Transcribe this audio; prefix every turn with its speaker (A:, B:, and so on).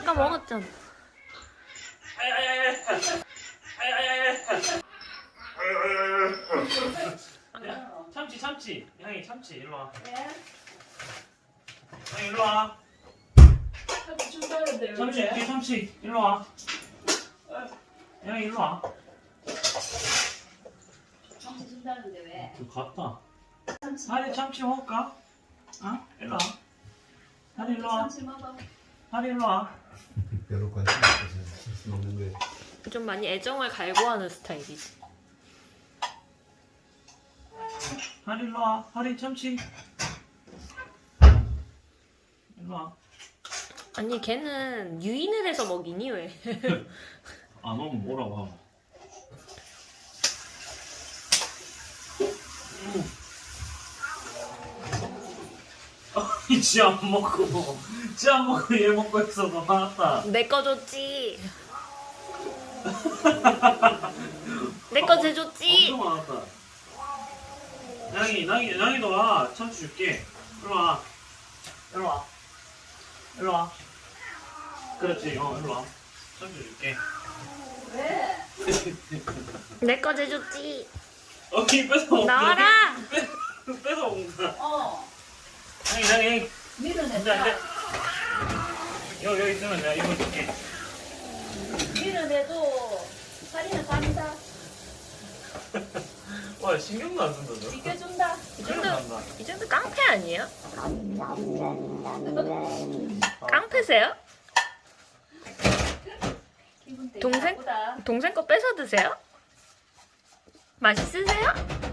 A: 아까 먹었잖아.
B: 참치 참치 향이 참치 일로 와. 향이 일로 와.
C: 참치 준다는데
B: 참치
C: 왜?
B: 뒤에 참치 일로 와. 향이 일로 와.
C: 참치 준다는데 왜?
B: 저 갔다.
C: 참치
B: 하리 참치 먹을까? 어? 일로 와. 하리 일로 와.
C: 참치 먹어.
B: 하리 일로 와.
D: 별로 관심 없어서 먹는 거예요.
A: 좀 많이 애정을 갈구하는 스타일이지.
B: 하리 일로 와. 하리 참치. 일로 와.
A: 아니 걔는 유인을 해서 먹이니 왜?
B: 안 오면 뭐라고 하면. 지 안 먹고 지 안 먹고 얘 먹고 있어서 화났다.
A: 내 거 줬지. 내 거 재줬지.
B: 엄청 화났다. 양이도 와. 참치 줄게. 일로 와. 일로 와. 일로 와. 그렇지. 일로 와. 참치 줄게.
C: 왜?
A: 내 거 재줬지.
B: 이 뺏어 먹자.
A: 나와라.
B: 뺏어 먹자. 양이.
C: 밀어냈다.
B: 안돼. 여기 있으면 내가 이거 줄게.
C: 밀어내도 살이는 간다.
B: 와 신경도 안 쓴다 너.
C: 비켜준다.
A: 이 정도 깡패 아니에요? 깡패세요?
C: 기분 되게
A: 동생?
C: 나쁘다.
A: 동생 거 뺏어 드세요? 맛있으세요?